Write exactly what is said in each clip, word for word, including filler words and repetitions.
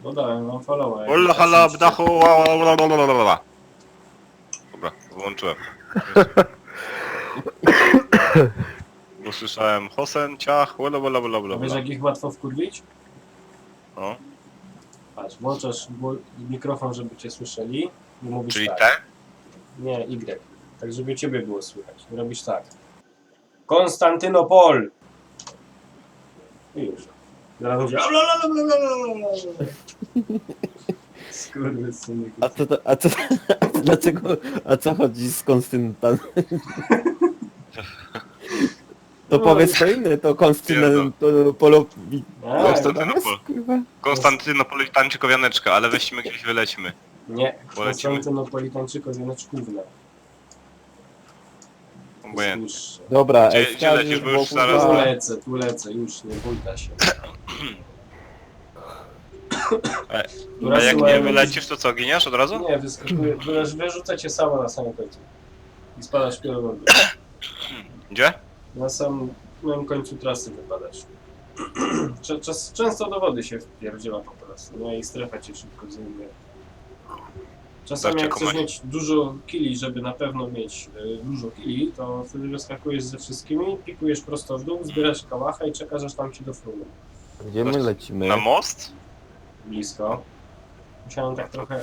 No dałem wam followa. Hola, hala, bdachu, Dobra, wyłączyłem. Bo słyszałem Hosen, ciach, bla bla bla bla A wiesz bla. jak ich łatwo wkurwić? No. Patrz, włączasz gło- mikrofon, żeby cię słyszeli i mówisz Czyli tak. te? Nie, Y. Tak, żeby ciebie było słychać. I robisz tak. Konstantynopol! I już. Zaraz mówię. Skurwysyny. A co to, a co, a co, dlaczego, a co chodzi z Konstyntan? To No, powiedz to inne, to Konstantynopol... A, Konstantynopol. Kurwa. Konstantynopolitańczyk wianeczka, ale weźmy gdzieś wylećmy. nie, Polecimy. Konstantynopolitańczyko wianeczkówne. Obojętnie. Dobra, Gdzie- ej, gdzie lecisz, bo już Tu zaraz- kurwa, lecę, tu lecę, już nie bójta się. E, Która A jak syła- nie wylecisz, to co, giniesz od razu? Nie, wyskakuje, wyrzucę wyrzucę cię sama na samym końcu. I spadasz w wody. Gdzie? Na samym końcu trasy wypadasz. Cze- Czas, często do wody się wpierdziela po prostu, no i strefa cię szybko zajmuje. Czasami Dawcie jak chcesz komanie. mieć dużo killi, żeby na pewno mieć y, dużo killi, to wtedy wyskakujesz ze wszystkimi, pikujesz prosto w dół, zbierasz kałacha i czekasz aż tam ci do fruny. gdzie my lecimy? Na most? Blisko. Musiałem tak trochę...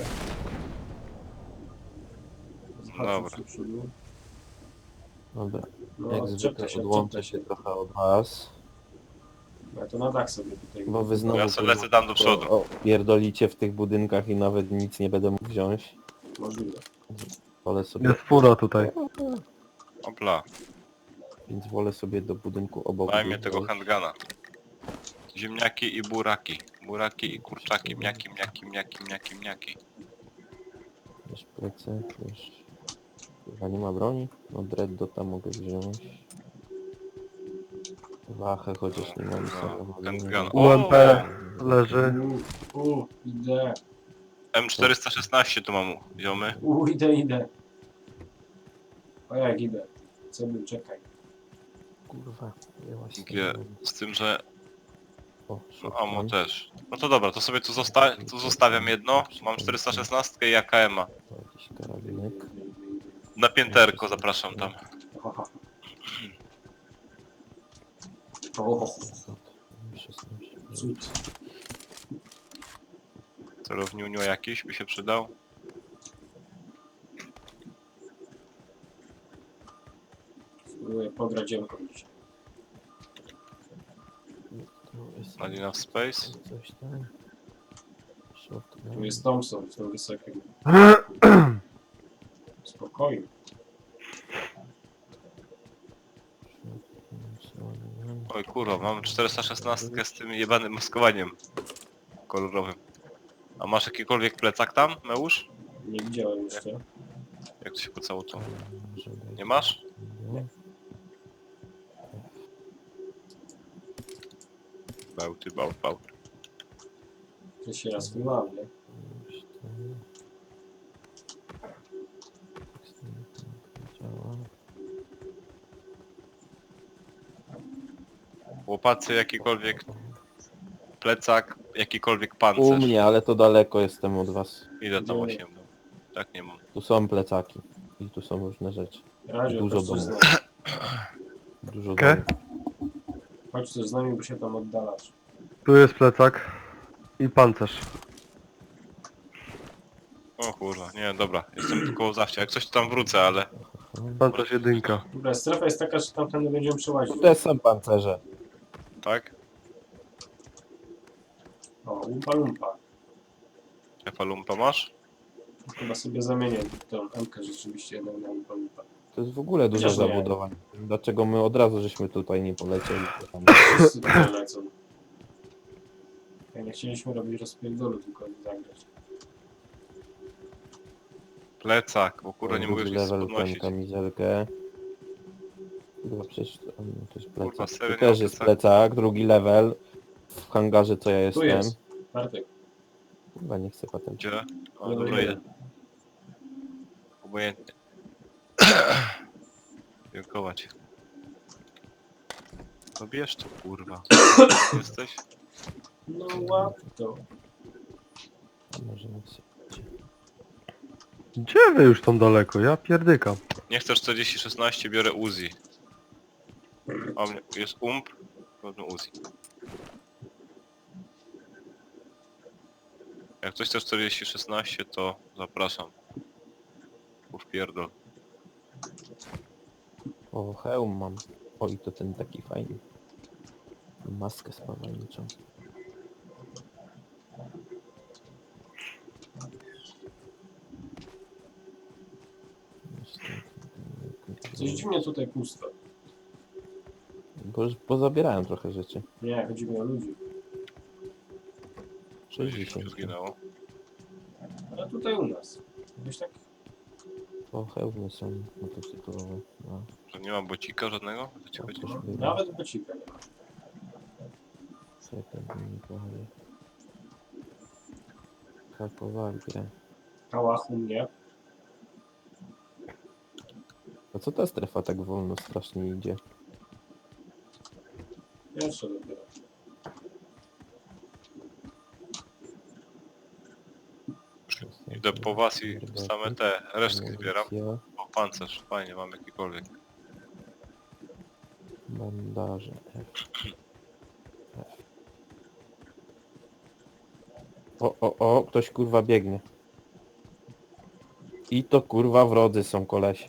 Dobra. zahaczyć do przodu. Dobra, No, jak odczepnę zwykle się, odłączę odczepnę się trochę od was, Ja to na dach sobie tutaj. bo wy znowu Ja sobie lecę tam do przodu. o, pierdolicie w tych budynkach i nawet nic nie będę mógł wziąć. Możliwe. Wolę sobie, Jest fura tutaj. Opla, więc wolę sobie do budynku obok. daj mnie tego wjechać. handgana. Ziemniaki i buraki. Buraki i kurczaki, mniaki, mniaki, mniaki, mniaki, mniaki. Wiesz, plecy, wiesz... Chyba nie ma broni? No dreaddo tam mogę wziąć. Wachę, chociaż nie mam No, samochodu. handgun. U M P leży. U, u, idę. M czterysta szesnaście tu mam, ziomy. U, idę, idę. O jak idę. Co był, czekaj. Kurwa, jęła się Gdzie? tam. Z tym, że O, no, shotgun. ammo też. No to dobra, to sobie tu, zosta tu zostawiam jedno. Mam czterysta szesnaście i A K M-a. To jakiś karabinek. Na pięterko zapraszam tam. Aha. O, szesnaście. cud. Celowniunio jakiś by się przydał. Spróbuję pograć dziełką dzisiaj. Tu jest Not enough space. coś tam. Shotgun. Tu jest Thompson, z tym wysokim. Spokojnie. Shotgun. Oj kurwa, mam czterysta szesnaście z tym jebanym maskowaniem kolorowym. A masz jakikolwiek plecak tam, Meusz? Nie widziałem jeszcze. Jak to się pocało to? Może dać- Nie masz? Nie. Bałty, bałt, bałt. To się raz filmałem, nie? Już tam. Tak z tym nie działa. Łopacy, jakikolwiek plecak, jakikolwiek pancerz. U mnie, ale to daleko jestem od was. Ile tam osiem? No. Tak nie mam. Tu są plecaki. I tu są różne rzeczy. Radio, Dużo chodź coś z domów. nami. Dużo Okej. domów. Chodź coś z nami, bo się tam oddalasz. Tu jest plecak. I pancerz. O kurwa, nie, dobra, jestem tu koło zawcia. Jak coś to tam wrócę, ale... Pancerz jedynka. Dobra, strefa jest taka, że tamtędy będziemy przełazić. Tu też są pancerze. Tak? O, lumpa lumpa. Efa lumpa masz? Chyba sobie zamienię tą M-kę rzeczywiście jednak na lumpa lumpa. To jest w ogóle dużo Chociaż nie. zabudowań. Dlaczego my od razu żeśmy tutaj nie polecieli? Tam. Wszyscy tutaj lecą. Ja nie chcieliśmy robić rozpierdolu, tylko zagrać. Plecak, bo kurwa nie mogę Drugi się level, tę podnosić. kamizelkę. Kurwa, przecież to, a nie, to jest Kurwa, plecak. serio Tu też nie jest mam plecak, drugi level. W hangarze co ja Tu jestem. jest. Bartek. Chyba nie chcę patentu. Gdzie? O, Level dobra, jeden. je. Obojętnie. Dziękować. To bierz to kurwa. Jesteś? No łap to. Może nie chcę. Gdzie wy już tam daleko? Ja pierdykam. Nie chcę czterdzieści szesnaście, biorę Uzi. A mnie jest ump, pewno Uzi. Jak ktoś chce czterdzieści szesnaście, to zapraszam. Uf pierdol. O, hełm mam. O, i to ten taki fajny. Maskę spawalniczą. Coś dziwnie tutaj pusto. Bo już pozabierałem trochę rzeczy. Nie, chodzi mi o ludzi. sześćdziesiąt. Zginęło. Ale tutaj u nas. Jakoś tak... O, hełmy są motocyklowe. No, Że nie ma bocika żadnego? O co ci to chodzi? też było. Nawet bocika nie ma. Czekaj, bo mi powoli. Hakowali grę. Kałach u mnie. A co ta strefa tak wolno strasznie idzie? Pierwsze dopiero. Idę po was i same te resztki zbieram. Amunicja, O, pancerz, fajnie, mam jakikolwiek. bandaże. F. F. O, o, o, ktoś kurwa biegnie. I to kurwa wrodzy są koleś.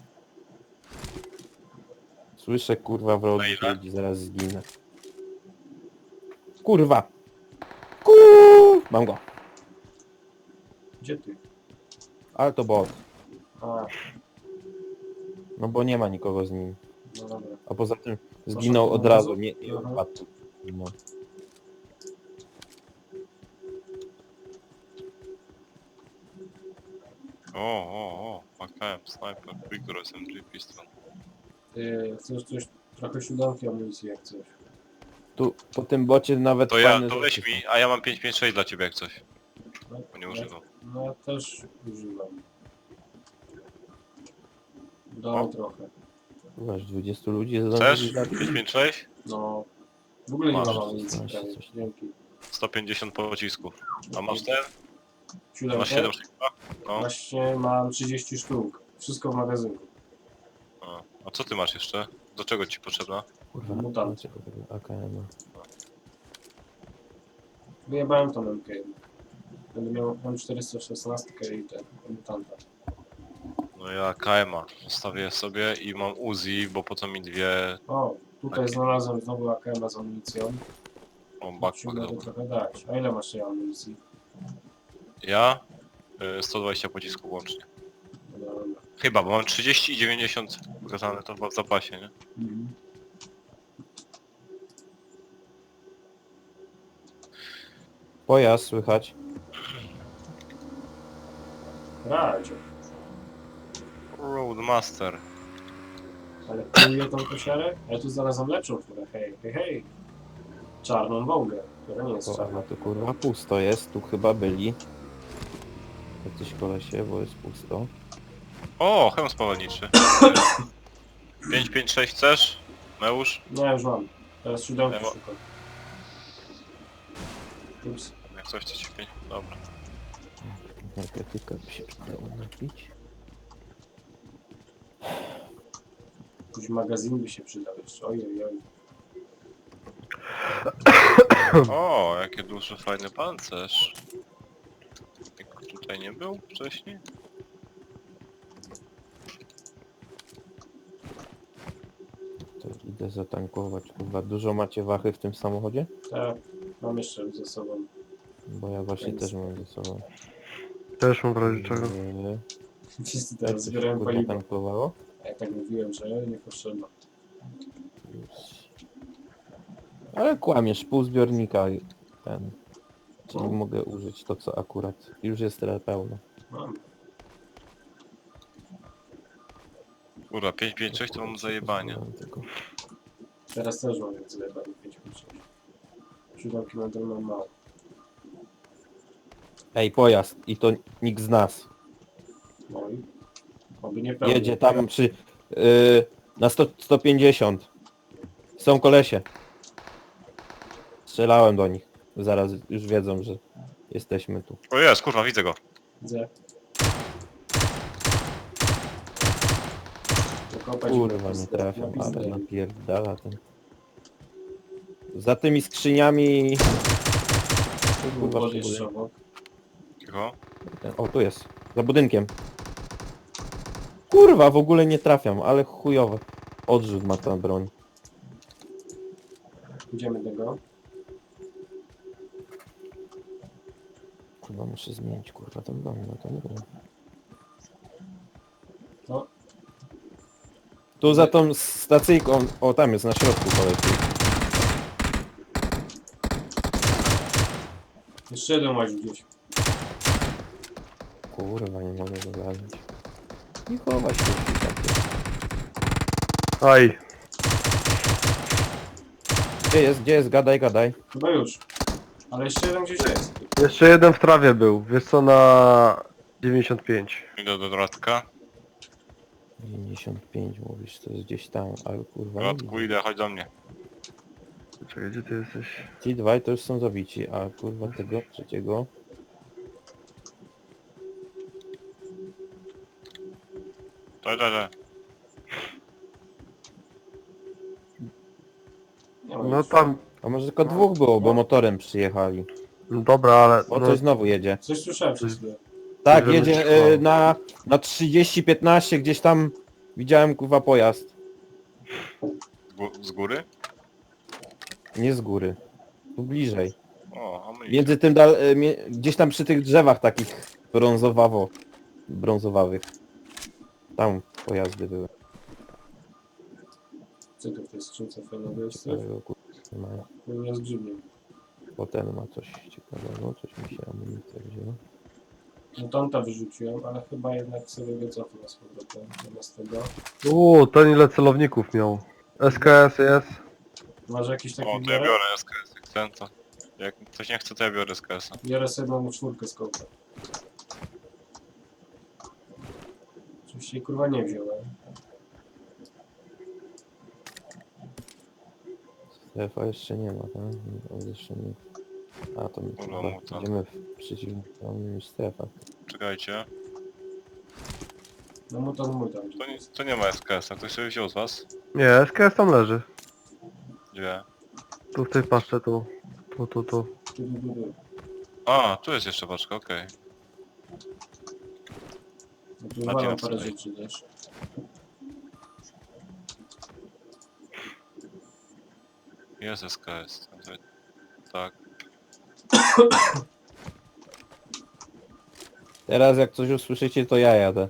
Słyszę kurwa Na wrodzy, ile? ludzi, zaraz zginę. Kurwa! Kur... Mam go. Gdzie ty? Ale to bot. A, No bo nie ma nikogo z nim. no dobra. A poza tym zginął Poszedł od od razu, razu? nie, nie Aha. odpadł. No. O, o, o, A K M, sniper, Vigor, S M G, pistol. Ty chcesz coś, trochę siódemki amunicji jak coś. Tu po tym bocie nawet To ja, fajne to rzeczy weź są. mi, a ja mam pięć pięć sześć dla ciebie jak coś. No, Bo nie używam. no ja też używam. O. Dam trochę. Masz dwudziestu ludzi Chcesz? zdążyli pięć pięć sześć? No. W ogóle nie Masz, mam amunicji masz prawie. coś. Dzięki. sto pięćdziesiąt pocisków. A masz ten? Siódemkę? Masz siedem sześć? No. Właśnie mam trzydzieści sztuk. Wszystko w magazynku. A, a co ty masz jeszcze? Do czego ci potrzebna? Kurwa, Mutant. dlaczego tego A K M? Wyjebałem tą M K. Będę miał M czterysta szesnaście i ten mutanta. No ja K M a zostawię sobie i mam Uzi, bo po co mi dwie... O, tutaj Tak. znalazłem znowu A K M z amunicją. O, Ci backpack mogę dobry. trochę dać. A ile masz tej amunicji? Ja? Y, sto dwadzieścia pocisków łącznie. No dobra. Chyba, bo mam trzydzieści i dziewięćdziesiąt wskazane to chyba w zapasie, nie? Mhm. Pojazd słychać. Radio. Roadmaster. Ale kieruję tą kosiarę? Ja tu znalazłem lepszą furę. Hej, hej, hej. Czarną Wołgę, która nie jest O, czarna. no to kurwa pusto jest, tu chyba byli. Jacyś kolesie, bo jest pusto. O, hełm spawalniczy. pięć pięć sześć chcesz? Meusz? No już mam. Teraz siódemki Ewo. szukam. Ups. Jak coś to ci pięć. Dobra. Narkotyka by się przydało napić. Jakiś magazyn by się przydał jeszcze. Ojej, oj. O, jakie duży, fajny pancerz. Jak tutaj nie był wcześniej? To idę zatankować. Kurwa, dużo macie wachy w tym samochodzie? Tak, mam jeszcze ze sobą. Bo ja właśnie też mam ze sobą. Też mam w razie czego. Eee, Wszyscy Jak teraz to się zbierają kurwa paliwo. tankowało? A ja tak mówiłem, że nie potrzeba. Już. Ale kłamiesz, pół zbiornika ten. Czyli No. mogę użyć to co akurat. Już jest teraz pełno. Mam. Kurwa, pięć pięć sześć to mam zajebanie. Tylko. Teraz też mam jak zlewam pięć pięć sześć. Siódemki nadal mam mało. Ej, pojazd i to nikt z nas. No i oby nie pełny. Jedzie tam przy... Yy, na sto, sto pięćdziesiąt. Są kolesie. Strzelałem do nich. Zaraz już wiedzą, że Jesteśmy tu. O jest, kurwa, widzę go. Widzę. Zakopać Kurwa, napis- nie trafiam, napis ale daily. napierdala ten. Za tymi skrzyniami... Tu był Kurwa, wody przy jeszcze budynku. obok. Cicho. O, tu jest. Za budynkiem. Kurwa, w ogóle nie trafiam, ale chujowe. Odrzut ma ta broń. Idziemy do go. Kurwa, muszę zmienić, kurwa, tą broń, no to nie wiem. No, Tu za tą stacyjką... O, tam jest, na środku polecił. jeszcze jeden łaził gdzieś. Kurwa, nie mogę go zabić. I chować się takie. Aj, Gdzie jest, gdzie jest? Gadaj, gadaj. Chyba już. Ale jeszcze jeden gdzieś jest. jeszcze jeden w trawie był. Wiesz co, na dziewięćdziesiąt pięć. Idę do Doradka. dziewięćdziesiąt pięć mówisz, to jest gdzieś tam, ale kurwa nie Doradku, widzę. idę, chodź do mnie. Czekaj, gdzie ty jesteś? Ci dwaj to już są zabici, a kurwa tego trzeciego... Daj, daj, daj. Nie ma No już. tam, A może tylko dwóch było, bo motorem przyjechali. no dobra, ale... O, No, coś znowu jedzie. Coś słyszałem przez chwilę. Tak, Żeby jedzie trwało. y, na, na trzydzieści piętnaście, gdzieś tam widziałem kurwa pojazd. Z, gó- z góry? Nie z góry. Tu bliżej. O, a my Między tym dal, y, mie, gdzieś tam przy tych drzewach takich brązowawo, brązowawych. Tam pojazdy były. Co to w tej skrzynce fajnego jest? Ciekawego, kurwa, nie mają. Nie z grzybiem. Potem ma coś ciekawego, coś mi się amunicja wzięła. No tamta wyrzuciłem, ale chyba jednak sobie go cofnę z powrotem. Zamiast tego. Uuu, ten ile celowników miał. S K S jest. Masz jakiś taki O, to ja biorę? biorę S K S, jak chcę to. Jak ktoś nie chce, to ja biorę S K S-a. Biorę sobie jedną czwórkę z kołka. Oczywiście jej, kurwa nie wziąłem. Strefa jeszcze nie ma, tak? No, jeszcze nie. A to my Kurwa, kurwa muta. idziemy w przeciwnym niż strefa. Czekajcie. No mu to mój tam. To nie, to nie ma S K S-a, ktoś sobie wziął z was? Nie, S K S tam leży. Gdzie? Tu w tej paszcze, tu. Tu, tu, tu. Tu, tu, tu, tu. A, tu jest jeszcze paczka, okej. No tu Macie walam na parę sobie. rzeczy też. Jest S K S. Tak. Teraz jak coś usłyszycie, to ja jadę.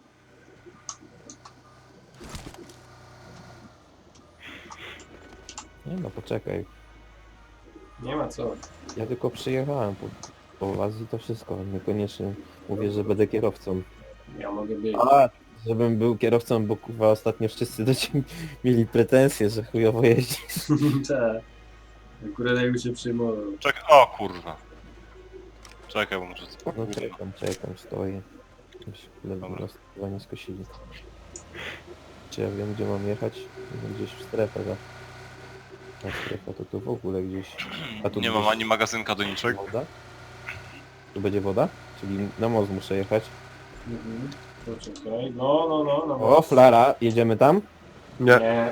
Nie no, poczekaj. Nie ma co. Ja tylko przyjechałem po, po was i to wszystko. Niekoniecznie mówię, że będę kierowcą. Ja mogę być. A, żebym był kierowcą, bo kurwa ostatnio wszyscy do ciebie mieli pretensje, że chujowo jeździsz. Tak. Akurat jak się przyjmował. Czekaj, o kurwa. Czekaj, bo muszę... No czekam, czekam, stoję. Ledwo Dobra. nas chyba nie skosili. Czy ja wiem, gdzie mam jechać? No, gdzieś w strefę, tak? Ta strefa to tu w ogóle gdzieś... A tu Nie gdzieś mam ani magazynka do niczego. woda? Tu będzie woda? Czyli na most muszę jechać. Mhm. Poczekaj. No, no, no. no O, flara, jedziemy tam? Nie. Nie.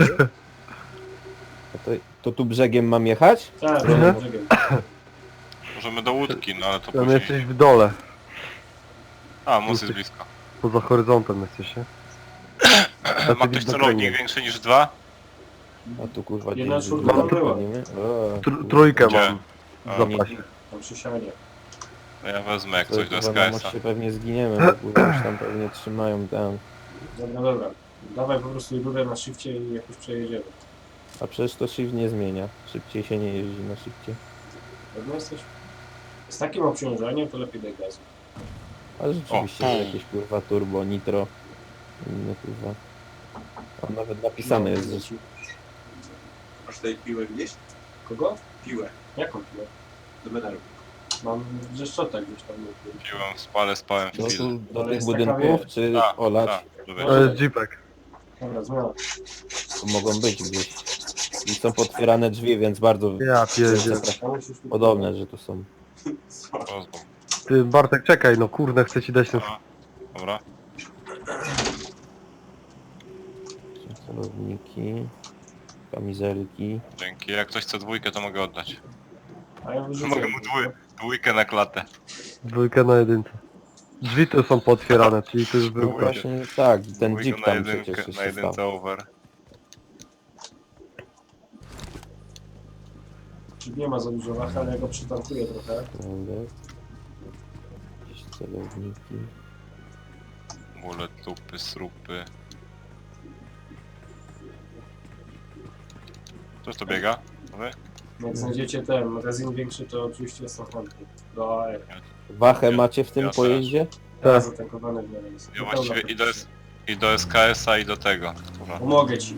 A to, to tu brzegiem mam jechać? Tak, Mhm. no, czekaj. Możemy do łódki, no ale to Tam później. jesteś w dole. A, most jest blisko. Poza horyzontem jesteś, nie? Ma ktoś celownik większy niż dwa? A tu kurwa Jedna gdzieś czwórka wyjdziemy, była. pewnie, o, Tr trójkę Gdzie? mam. A, W zapasie. Tam przy sianie. No ja wezmę jak to coś do kurwa na S K S-a. moście pewnie zginiemy, bo kurwa już tam pewnie trzymają tam. Dobra, dobra. Dawaj po prostu rurę na szybcie i jakoś przejedziemy. A przecież to shift nie zmienia. Szybciej się nie jeździ na shifcie. Pewno jesteś? Z takim obciążeniem to lepiej daj gazu. Ale rzeczywiście O. że jakieś kurwa turbo, nitro. Inne kurwa. Tam nawet napisane jest, że... Masz tutaj piłę gdzieś? Kogo? Piłę. Jaką piłę? Do medalu. Mam wrzeszczota gdzieś tam. Piłem, spalę, spałem No chwilę. tu do Ale tych jest taka, budynków, wiesz, czy Tak, olać? tak, to wiesz. To jest jeepek. Dobra, zmiana. To mogą być gdzieś. I są potwierane drzwi, więc bardzo Ja pierdzie. To musisz tu- podobne, że tu są. Rozbom. Ty Bartek czekaj, no kurde, chcę ci dać ten... A, dobra. Celowniki, kamizelki. Dzięki. Jak ktoś chce dwójkę, to mogę oddać. A ja wyrzucę. Mogę mu dwój, dwójkę na klatę. Dwójkę na jedynce. Drzwi tu są pootwierane, czyli to już był No Dwójkę. gość. właśnie tak, ten Dwójkę jeep na tam jedynkę, przecież na jeszcze jedynce stał. over. Czyli nie ma za dużo wach, ale ja go przytankuję trochę. Prawda? Jakieś celowniki. Bóle, tupy, srupy. Ktoś to biega? Wy? Jak znajdziecie ten magazyn większy, to oczywiście jestem chętny. Do A R. Wachę Ja- macie w tym ja też. pojeździe? Tak. Zatankowany w miarę jest. Ja Do właściwie pełna i do, praktycznie. S- i do S K S-a i do tego. Dobra. Pomogę ci.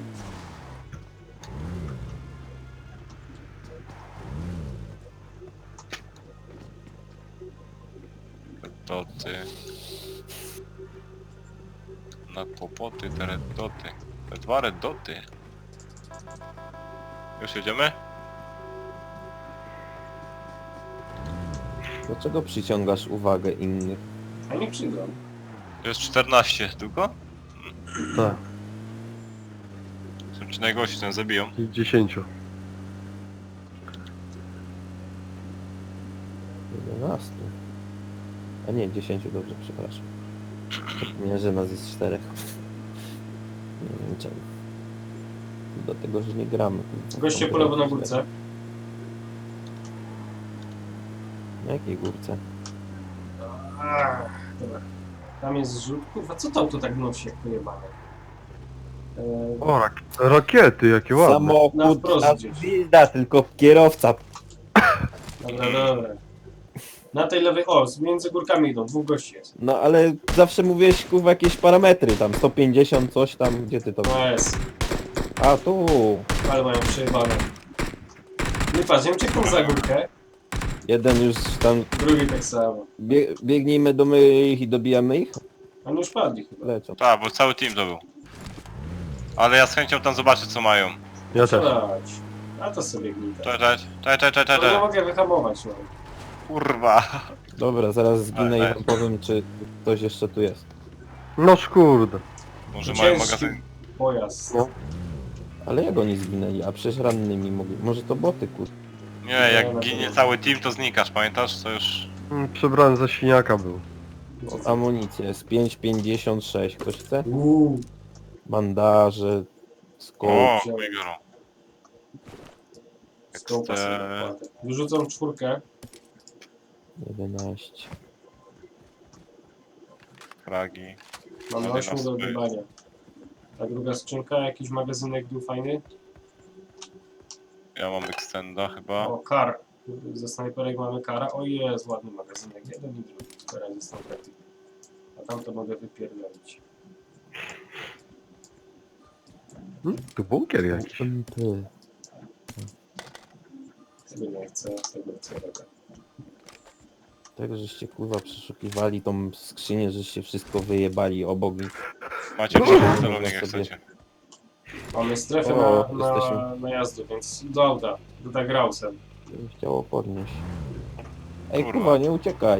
Doty. Na kłopoty, te red doty. Te dwa red doty. Już jedziemy? Dlaczego przyciągasz uwagę innych? A nie przyjdą. To jest czternaście tylko? Tak, Są ci najgorsi, ten zabiją. i dziesięciu. jedenastu. A nie, dziesięciu, dobrze, przepraszam. Nie, że nas jest czterech. Nie wiem czemu. Dlatego, że nie gramy. kurwa. Goście po lewo na górce. Na jakiej górce? Ach, dobra. Tam jest zrzut. Kurwa, co to auto tak nosi jak pojebane? Eee, O, rak rakiety, jakie ładne. Na Samochód, wprost a gdzieś. gwizda, tylko kierowca. dobra, dobra. Na tej lewej, o, między górkami idą, dwóch gości jest. No ale zawsze mówiłeś, kurwa, jakieś parametry tam, sto pięćdziesiąt, coś tam, gdzie ty to... No jest, A tu, ale mają przejebane. Nie patrz, ja uciekam za górkę, jeden już tam, drugi tak samo. bie, biegnijmy do my ich i dobijamy ich? Oni już padli chyba. Lecą. Tak, bo cały team to był. Ale ja z chęcią tam zobaczę co mają. Ja też. Chodź. A to sobie gnita. Cześć, cześć, cześć, cześć, cześć, To nie cześć. mogę wyhamować, no. Kurwa. Dobra, zaraz zginę Ale- i wam powiem, czy ktoś jeszcze tu jest. No kurde. Może mają Ciężki magazyn. pojazd. No. Ale jak oni zginęli? A przecież rannymi mogli. Może to boty, kur... Nie, jak ginie cały team to znikasz, pamiętasz? To już... Mm, Przebrany za świniaka był. O, amunicja jest pięć pięćdziesiąt sześć. Ktoś chce? Uuu, Bandaże, skok. O, wziąłem. Migoro. skołpa sobie Ekster- wkładę. Wyrzucam czwórkę. jedenaście. Kragi. Mam Ale ośmiu nas do by- odjebania. A druga skrzynka, jakiś magazynek był fajny. Ja mam extenda chyba. O, kar. Ze snajperek mamy kara. O jest, ładny magazynek. Jeden i drugi. Teraz ze snajperki. A tam to mogę wypierdolić. Hmm? Tu bunkier jakiś. Ty. Tego nie chcę, tego chcę robię. Tak, żeście kurwa przeszukiwali tą skrzynię, żeście wszystko wyjebali obok nich. Macie No, no, celownik jak sobie. chcecie. Mamy strefę O, na, na, jesteśmy. na jazdę, więc do auta. Do tak Grausem. Bym chciało podnieść. Ej Kurwa. kurwa, nie uciekaj.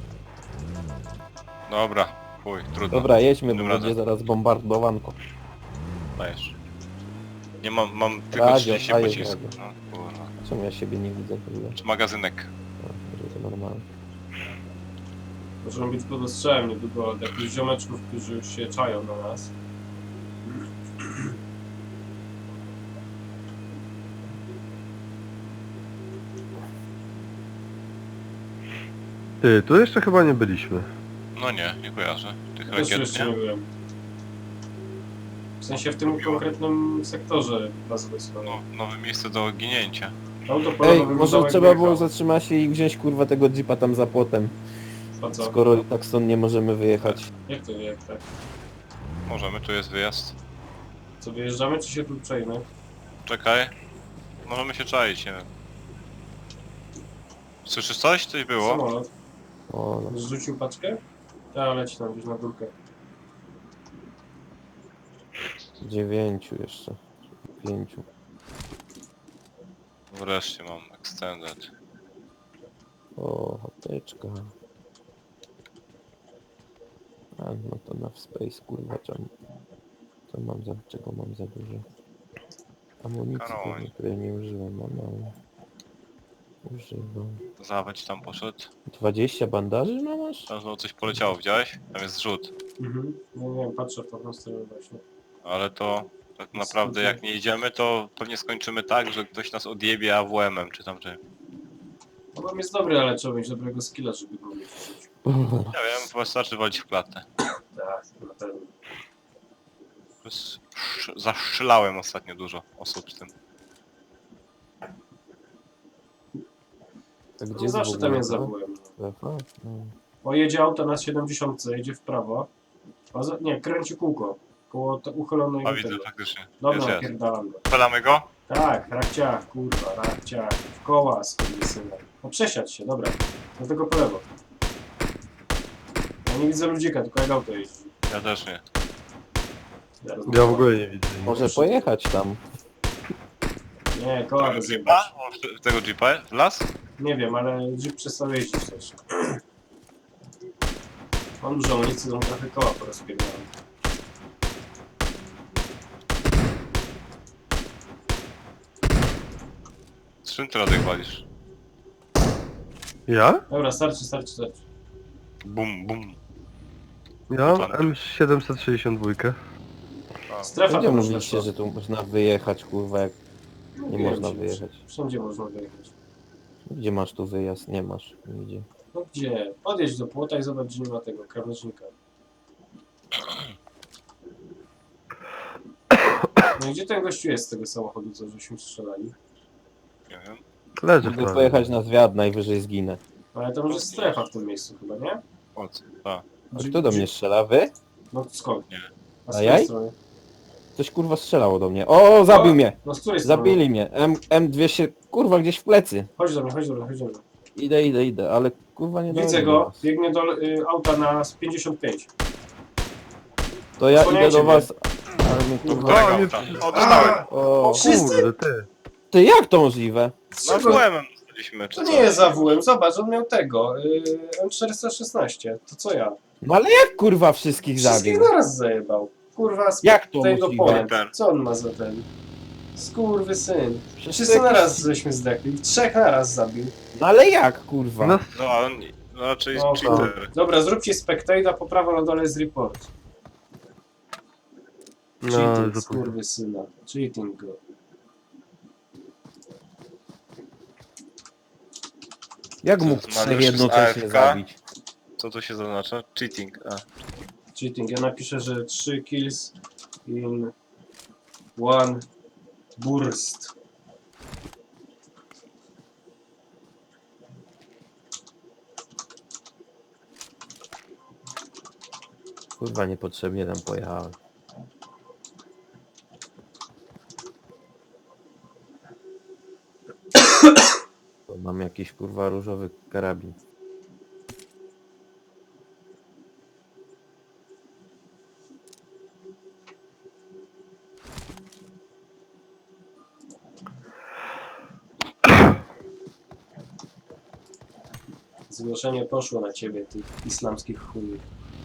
Dobra, chuj, trudno. Dobra, jedźmy, bo Dobra, będzie zaraz bombardowanko. Dajesz. Nie mam, mam tylko Radio, trzydzieści a jest pocisków. radio. No, kurwa. Czemu ja siebie nie widzę w ogóle? Czy magazynek? No, może to normalne. Możemy być pod ostrzałem niedługo od jakichś ziomeczków, którzy już się czają na nas. Ty, tu jeszcze chyba nie byliśmy. No nie, nie kojarzę. Tych Też rakiet, jeszcze nie nie? byłem. W sensie w tym konkretnym sektorze bazy wojskowej. No, nowe miejsce do ginięcia. Auto Ej, polowe może wyglądało trzeba jak było wjechał. zatrzymać się i wziąć kurwa tego jeepa tam za płotem. Po co? Skoro i tak stąd nie możemy wyjechać. Jak to jak tak? Możemy, tu jest wyjazd. Co, wyjeżdżamy czy się tu przejmę? Czekaj. Możemy się czaić, nie wiem. Słyszysz coś? Coś było? Samolot. O, no. Zrzucił paczkę? Ja leci tam gdzieś na górkę. Dziewięciu jeszcze. Pięciu. Wreszcie mam extended. O, hoteczka. A, no to na space, kurwa, czemu? To mam za, czego mam za dużo? Amunicji, Karoń. pewnie, której nie użyłem, mam mało. Używam. Zawęć tam poszedł. dwadzieścia bandaży no masz? Tam znowu coś poleciało, widziałeś? Tam jest zrzut. Mhm. No nie wiem, patrzę w tą stronę właśnie. Ale to tak naprawdę jak nie idziemy, to pewnie skończymy tak, że ktoś nas odjebie A W M-em, czy tam czy... No bo jest dobry, ale trzeba mieć dobrego skilla, żeby go mieć. Nie wiem, chyba wystarczy walić w klatę. Tak, na pewno. Plus sz- Zastrzelałem ostatnio dużo osób z tym. A gdzie No jest zawsze w tam ogóle jest to? zabyłem. Wefa? No. O, jedzie auto na siedemdziesiąt, jedzie w prawo. A za, nie, kręci kółko. Koło te uchylonej A widzę, tego. faktycznie. Jest, Dobra, jest. napierdalam go. Spalamy go? Tak, rakciach, kurwa, rakciach. W koła, skurwysyna. No przesiadź się, dobra. Do tego po lewo. Ja nie widzę ludzika, tylko jak auto jeździ. Ja też nie. Zaraz Ja w ogóle nie widzę. Może pojechać tam. Nie, koła Tego rozjebać. jeepa? O, Tego jeepa? W las? Nie wiem, ale Jeep przestał jeździć też. Mam dużo amunicji, to mu trochę koła porozpierdałem. Z czym ty Radek walisz? Ja? Dobra, starczy, starczy, starczy. Bum, bum. Ja mam M siedemset sześćdziesiąt dwa. Strefa Gdzie to już mówiliście, weszła. że tu można wyjechać, kurwa, jak No nie wiem, można że wyjechać? Wszędzie można wyjechać. Gdzie masz tu wyjazd? Nie masz. Nigdzie. No gdzie? Podjedź do płota i zobacz, gdzie nie ma tego krawężnika. No i gdzie ten gościu jest z tego samochodu, co żeśmy strzelali? Nie wiem. Leży Mogę prawie. pojechać na zwiat, najwyżej zginę. Ale tam już jest strefa w tym miejscu chyba, nie? O co? A. A kto do mnie strzela? Wy? No skąd? Nie. A z A której jaj? strony? Ktoś kurwa strzelało do mnie. O, zabił O! mnie! No z której strony? Zabili mnie. M, M200, kurwa, gdzieś w plecy. Chodź do mnie, chodź do mnie, chodź do mnie. Idę, idę, idę, ale kurwa nie Widzę dojdę do go, was. biegnie do y, auta na pięćdziesiąt pięć. To ja idę Osłaniajcie do mnie. was. Ale mnie, Do kurwa... którego O, nie- auta? O, dostałem. O, Wszyscy? Kurde, ty. ty jak to możliwe? Z No A czego? W M-em dostaliśmy, czy To co? nie jest A W M, zobacz, on miał tego, y, M czterysta szesnaście, to co ja? No ale jak kurwa wszystkich Wszystkich zabił? naraz zajebał. Kurwa, z Jak to tego możliwe? point. Ten. Co on ma za ten? Skurwy syn. Przecież Wszyscy to jakiś- naraz żeśmy zdechli, trzech naraz zabił. No ale jak kurwa? No, No, a on no, raczej No, cheater. Dobra, zróbcie spectate, a po prawo na dole jest report. no, Cheating, zapomniałem. skurwy syna. Cheating go. Jak Co, mógł Mariusz trzech jest jednocześnie A F K? zabić? Co to się zaznacza? Cheating. A. Cheating. Ja napiszę, że trzy kills in one burst. Kurwa niepotrzebnie tam pojechałem. To mam jakiś kurwa różowy karabin. Zgłoszenie poszło na ciebie, tych islamskich chujów.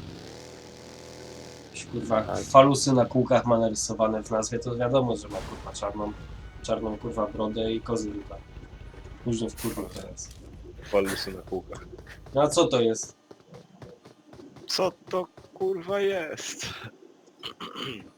Jakieś kurwa Tak. falusy na kółkach ma narysowane w nazwie, to wiadomo, że ma kurwa czarną, czarną kurwa brodę i kozy chyba. Później w kurwa teraz. Falusy na kółkach. No a co to jest? Co to kurwa jest?